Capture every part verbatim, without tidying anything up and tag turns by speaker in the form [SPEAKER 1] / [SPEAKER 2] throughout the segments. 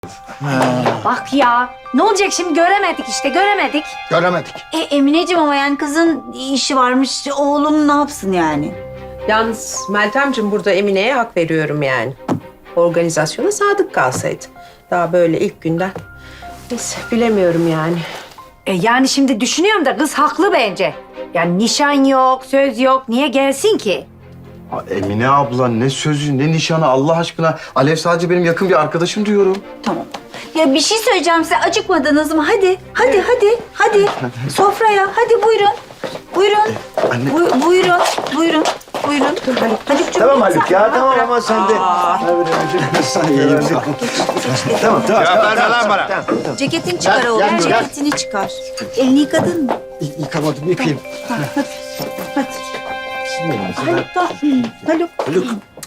[SPEAKER 1] Bak ya, ne olacak şimdi göremedik işte, göremedik.
[SPEAKER 2] Göremedik.
[SPEAKER 3] E Emineciğim ama yani kızın işi varmış, oğlum ne yapsın yani?
[SPEAKER 4] Yalnız Meltemciğim burada Emine'ye hak veriyorum yani. Organizasyona sadık kalsaydı. Daha böyle ilk günden. Neyse bilemiyorum yani.
[SPEAKER 1] E yani şimdi düşünüyorum da kız haklı bence. Yani nişan yok, söz yok, niye gelsin ki?
[SPEAKER 2] Ha, Emine abla ne sözü ne nişanı Allah aşkına. Alev sadece benim yakın bir arkadaşım diyorum.
[SPEAKER 3] Tamam. Ya bir şey söyleyeceğim size, acıkmadınız mı? Hadi, hadi, hadi, hadi. Sofraya, hadi buyurun. Buyurun.
[SPEAKER 2] Anne.
[SPEAKER 3] Bu- buyurun, buyurun, buyurun. Haluk'cum.
[SPEAKER 2] Tamam Haluk ya tamam ama sen de. Tamam tamam.
[SPEAKER 5] Cevap verme lan bana.
[SPEAKER 3] Ceketini çıkar oğlum,
[SPEAKER 2] gel, gel.
[SPEAKER 3] ceketini çıkar. Elini yıkadın mı?
[SPEAKER 2] Yıkamadım yıkayayım.
[SPEAKER 3] Hadi. Haluk da, Haluk.
[SPEAKER 2] Haluk.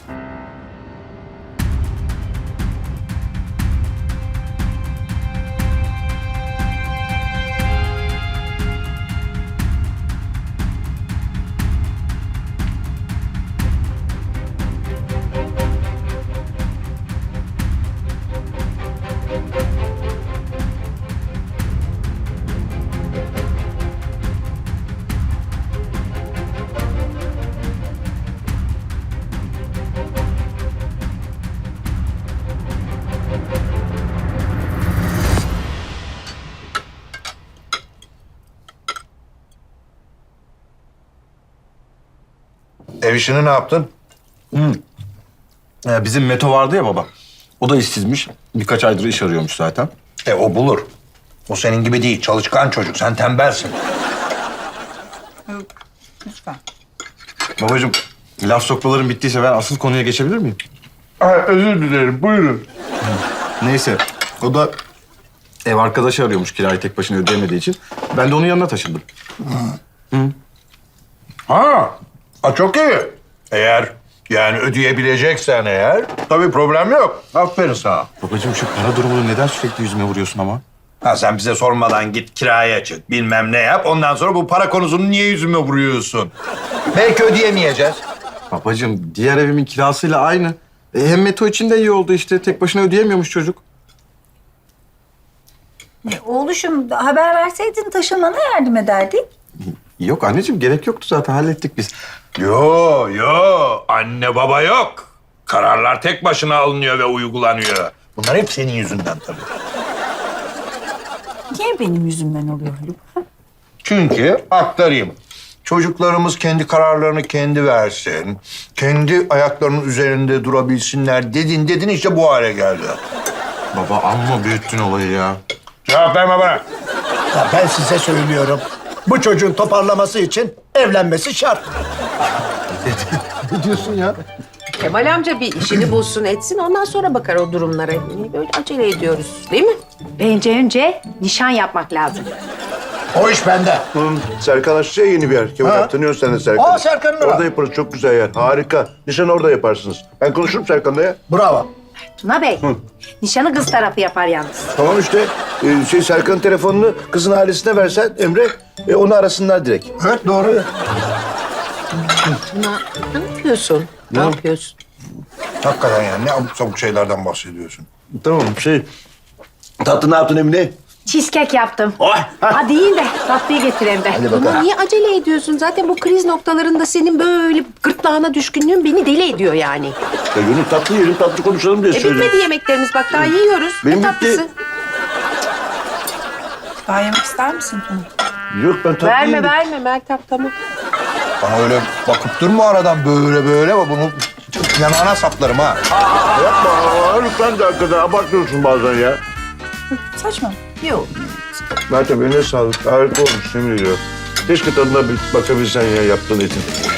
[SPEAKER 5] Ev işini ne yaptın?
[SPEAKER 2] Ee, bizim Meto vardı ya baba. O da işsizmiş. Birkaç aydır iş arıyormuş zaten.
[SPEAKER 5] E o bulur. O senin gibi değil. Çalışkan çocuk. Sen tembelsin.
[SPEAKER 3] Lütfen.
[SPEAKER 2] Babacığım laf sokmaların bittiyse ben asıl konuya geçebilir miyim?
[SPEAKER 5] özür dilerim. Buyurun.
[SPEAKER 2] Neyse o da ev arkadaşı arıyormuş kirayı tek başına ödeyemediği için. Ben de onun yanına taşındım.
[SPEAKER 5] Ha. Ha çok iyi. Eğer yani ödeyebileceksen eğer tabii problem yok. Aferin sana.
[SPEAKER 2] Babacığım şu para durumunu neden sürekli yüzüme vuruyorsun ama?
[SPEAKER 5] Ha sen bize sormadan git kiraya çık bilmem ne yap. Ondan sonra bu para konusunu niye yüzüme vuruyorsun? Belki ödeyemeyeceğiz.
[SPEAKER 2] Babacığım diğer evimin kirasıyla aynı. E, hem Meto için de iyi oldu işte. Tek başına ödeyemiyormuş çocuk.
[SPEAKER 3] E, oğluşum haber verseydin taşınmana yardım ederdik.
[SPEAKER 2] Yok anneciğim gerek yoktu zaten hallettik biz.
[SPEAKER 5] Yo yo anne baba yok. Kararlar tek başına alınıyor ve uygulanıyor. Bunlar hep senin yüzünden tabii.
[SPEAKER 3] Niye benim yüzümden oluyor Haluk?
[SPEAKER 5] Çünkü aktarayım. Çocuklarımız kendi kararlarını kendi versin. Kendi ayaklarının üzerinde durabilsinler dedin dedin işte bu hale geldi.
[SPEAKER 2] Baba amma büyüttün olayı ya.
[SPEAKER 5] Cevap verme bana.
[SPEAKER 6] Ya ben size söylüyorum. Bu çocuğun toparlaması için evlenmesi şart.
[SPEAKER 2] Ne diyorsun ya?
[SPEAKER 4] Kemal amca bir işini bulsun etsin ondan sonra bakar o durumlara. Niye böyle acele ediyoruz değil mi?
[SPEAKER 1] Bence önce nişan yapmak lazım.
[SPEAKER 6] O iş bende.
[SPEAKER 7] Serkan açacak yeni bir yer. Kemal
[SPEAKER 6] Ha?
[SPEAKER 7] abi tanıyorsun sen de Serkan'ı.
[SPEAKER 6] Aa, Serkan'ı da var.
[SPEAKER 7] Orada yaparız. Çok güzel yer. Harika. Nişan orada yaparsınız. Ben konuşurum Serkan'la ya.
[SPEAKER 6] Bravo.
[SPEAKER 1] Tuna Bey, nişanı kız tarafı yapar yalnız.
[SPEAKER 7] Tamam işte. Ee, şey Serkan'ın telefonunu kızın ailesine versen Emre, e, onu arasınlar direkt.
[SPEAKER 6] Evet doğru.
[SPEAKER 4] Tuna ne yapıyorsun? Ne, yapıyorsun?
[SPEAKER 5] Hakikaten yani ne abuk sabuk şeylerden bahsediyorsun.
[SPEAKER 7] Tamam şey. Tatlı ne yaptın Emine?
[SPEAKER 1] Cheesecake yaptım.
[SPEAKER 7] Oh!
[SPEAKER 1] Hadi yiyin de tatlıyı getireyim ben.
[SPEAKER 7] Hadi
[SPEAKER 4] Tuna
[SPEAKER 7] bakalım.
[SPEAKER 4] niye acele ediyorsun? Zaten bu kriz noktalarında senin böyle gırtlağına düşkünlüğün beni deli ediyor yani.
[SPEAKER 7] Ya Gönül tatlı yiyelim, tatlı konuşalım diye
[SPEAKER 4] E
[SPEAKER 7] söyledim.
[SPEAKER 4] bitmedi yemeklerimiz bak daha yiyoruz.
[SPEAKER 7] Benim
[SPEAKER 4] ne
[SPEAKER 7] bitti.
[SPEAKER 4] tatlısı?
[SPEAKER 3] Daha yemek ister misin Tuna?
[SPEAKER 7] Yok ben tatlı
[SPEAKER 4] Verme
[SPEAKER 7] yedim.
[SPEAKER 4] verme Meltem tamam.
[SPEAKER 5] Bana öyle bakıp durma aradan böyle böyle ama bunu yanağına saplarım ha.
[SPEAKER 7] Yapma. Aa, lütfen de hakikaten abartıyorsun bazen ya.
[SPEAKER 3] Saçma. Yok.
[SPEAKER 7] Meltem eline sağlık. Harika olmuş yemin ediyorum. Keşke tadına bir bakabilsen ya yaptığın etin.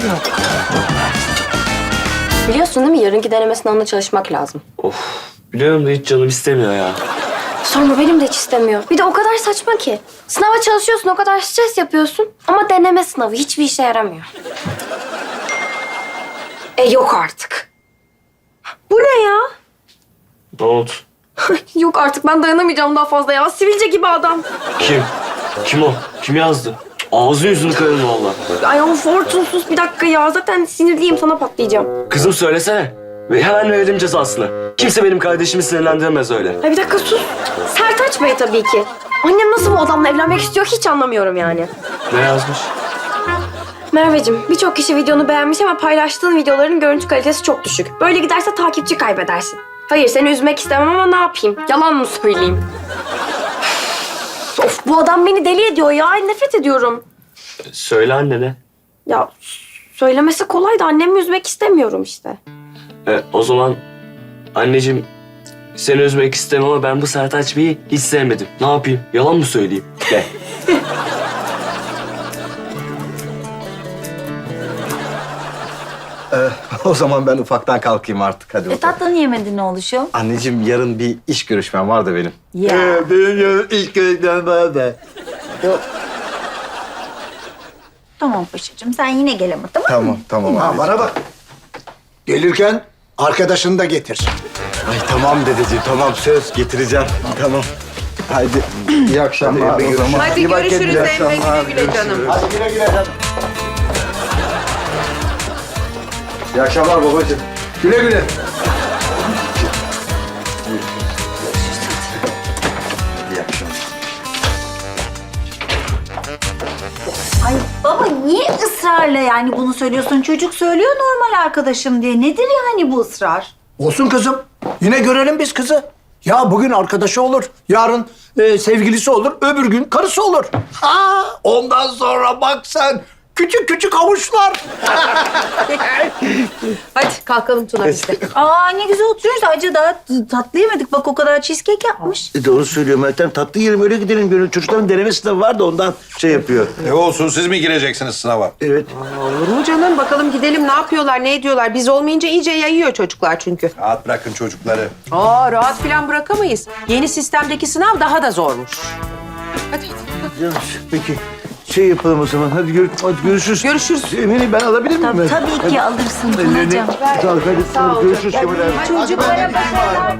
[SPEAKER 8] Biliyorsun değil mi? Yarınki deneme sınavına çalışmak lazım.
[SPEAKER 9] Biliyorum da hiç canım istemiyor ya.
[SPEAKER 8] Sorma benim de hiç istemiyor. Bir de o kadar saçma ki. Sınava çalışıyorsun, o kadar stres yapıyorsun. Ama deneme sınavı hiçbir işe yaramıyor. E yok artık.
[SPEAKER 1] Bu ne ya?
[SPEAKER 9] Ne oldu?
[SPEAKER 8] Yok artık ben dayanamayacağım daha fazla ya. Sivilce gibi adam.
[SPEAKER 9] Kim? Kim o? Kim yazdı? Ağzını yüzünü kırarım valla.
[SPEAKER 8] Ay o fortunsuz bir dakika ya. Zaten sinirliyim sana patlayacağım.
[SPEAKER 9] Kızım söylesene. Ve hemen verelim cezasını. Kimse benim kardeşimi sinirlendiremez öyle.
[SPEAKER 8] Ay bir dakika sus. Sertaç Bey tabii ki. Annem nasıl bu adamla evlenmek istiyor hiç anlamıyorum yani.
[SPEAKER 9] Ne yazmış?
[SPEAKER 8] Merveciğim, birçok kişi videonu beğenmiş ama paylaştığın videoların görüntü kalitesi çok düşük. Böyle giderse takipçi kaybedersin. Hayır, seni üzmek istemem ama ne yapayım? Yalan mı söyleyeyim? Of, bu adam beni deli ediyor ya. Ay, nefret ediyorum.
[SPEAKER 9] Söyle annene.
[SPEAKER 8] Ya söylemesi kolay da annemi üzmek istemiyorum işte.
[SPEAKER 9] E, o zaman anneciğim seni üzmek istemem ama ben bu Sertaç Bey'i hiç sevmedim. Ne yapayım? Yalan mı söyleyeyim? De.
[SPEAKER 2] O zaman ben ufaktan kalkayım artık. Hadi
[SPEAKER 3] E
[SPEAKER 2] bakalım.
[SPEAKER 3] tatlını yemedin oğluşum.
[SPEAKER 2] Anneciğim yarın bir iş görüşmem var da benim.
[SPEAKER 3] Ya.
[SPEAKER 6] Benim yarın ilk görevlerim var da.
[SPEAKER 3] Tamam paşacığım sen yine gel ama tamam mı?
[SPEAKER 2] Tamam, tamam
[SPEAKER 6] Ha,
[SPEAKER 2] abi.
[SPEAKER 6] bana bak. Gelirken arkadaşını da getir.
[SPEAKER 2] Ay tamam dedeciğim, tamam söz getireceğim. Tamam. Haydi iyi akşamlar o zaman.
[SPEAKER 4] Hadi
[SPEAKER 2] İyi bak
[SPEAKER 4] görüşürüz
[SPEAKER 2] kendine, iyi
[SPEAKER 4] Emre.
[SPEAKER 2] akşamlar,
[SPEAKER 4] Güle güle canım.
[SPEAKER 2] görüşürüz.
[SPEAKER 6] Hadi güle güle canım.
[SPEAKER 2] İyi akşamlar babacığım.
[SPEAKER 6] Güle güle.
[SPEAKER 2] İyi akşamlar.
[SPEAKER 3] Ay baba niye ısrarla yani bunu söylüyorsun? Çocuk söylüyor normal arkadaşım diye. Nedir yani bu ısrar?
[SPEAKER 6] Olsun kızım. Yine görelim biz kızı. Ya bugün arkadaşı olur, yarın e, sevgilisi olur, öbür gün karısı olur. Ha, ondan sonra bak sen küçük küçük avuçlar.
[SPEAKER 4] Hadi kalkalım Tuna biz de.
[SPEAKER 3] Aa ne güzel oturuyoruz. Acı daha t- tatlı yemedik. Bak o kadar cheesecake yapmış.
[SPEAKER 7] E doğru söylüyor Meltem. Tatlı yiyelim öyle gidelim. Gönül çocukların deneme sınavı var da ondan şey yapıyor.
[SPEAKER 5] Ne olsun siz mi gireceksiniz sınava?
[SPEAKER 7] Evet.
[SPEAKER 4] Olur mu canım? Bakalım gidelim ne yapıyorlar, ne ediyorlar. Biz olmayınca iyice yayıyor çocuklar çünkü.
[SPEAKER 5] Rahat bırakın çocukları.
[SPEAKER 4] Aa rahat falan bırakamayız. Yeni sistemdeki sınav daha da zormuş. Hadi.
[SPEAKER 7] Peki şey yapalım o zaman. Hadi, gör, hadi görüşürüz.
[SPEAKER 4] Görüşürüz.
[SPEAKER 7] Emine ben alabilir miyim?
[SPEAKER 3] Tabii, tabii ki alırsın Tunacığım.
[SPEAKER 7] Sağ ol. Hadi, hadi görüşürüz Kemal abi.
[SPEAKER 4] Çocuklara başarılar.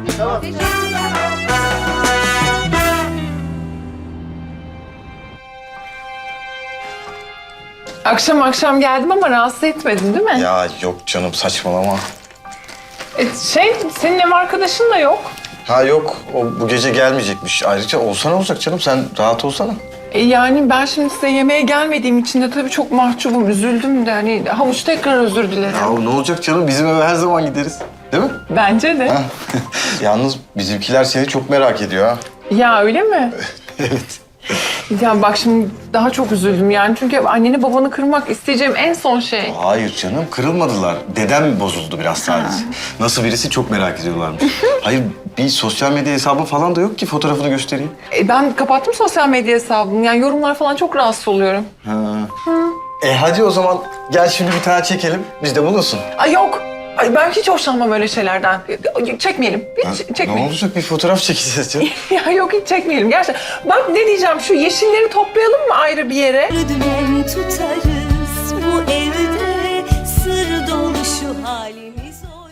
[SPEAKER 10] Akşam akşam geldim ama rahatsız etmedin değil mi?
[SPEAKER 2] Ya yok canım saçmalama.
[SPEAKER 10] E, şey, senin ev arkadaşın da yok.
[SPEAKER 2] Ha yok o bu gece gelmeyecekmiş. Ayrıca olsana olacak canım sen rahat olsana.
[SPEAKER 10] E, yani ben şimdi size yemeğe gelmediğim için de tabii çok mahcubum, üzüldüm de. Hani havuç tekrar özür dilerim.
[SPEAKER 2] Ya ne olacak canım bizim eve her zaman gideriz. Değil mi?
[SPEAKER 10] Bence de.
[SPEAKER 2] Ha. Yalnız bizimkiler seni çok merak ediyor ha.
[SPEAKER 10] Ya öyle mi?
[SPEAKER 2] Evet.
[SPEAKER 10] Ya bak şimdi daha çok üzüldüm yani. Çünkü anneni babanı kırmak isteyeceğim en son şey.
[SPEAKER 2] Hayır canım kırılmadılar. Dedem bozuldu biraz sadece. Nasıl birisi çok merak ediyorlarmış. Hayır bir sosyal medya hesabı falan da yok ki fotoğrafını göstereyim.
[SPEAKER 10] E, ben kapattım sosyal medya hesabımı. Yani yorumlar falan çok rahatsız oluyorum.
[SPEAKER 2] Ha. E hadi o zaman gel şimdi bir tane çekelim. Biz de bulunsun.
[SPEAKER 10] Ay yok. Ay ben hiç hoşlanmam öyle şeylerden. Çekmeyelim. Hiç
[SPEAKER 2] Ne
[SPEAKER 10] çekmeyelim.
[SPEAKER 2] olacak bir fotoğraf çekeceğiz canım.
[SPEAKER 10] Ya yok hiç çekmeyelim gerçekten. Bak ne diyeceğim şu yeşilleri toplayalım mı ayrı bir yere?
[SPEAKER 11] Dümen tutarız bu evde sır dolu şu halimiz.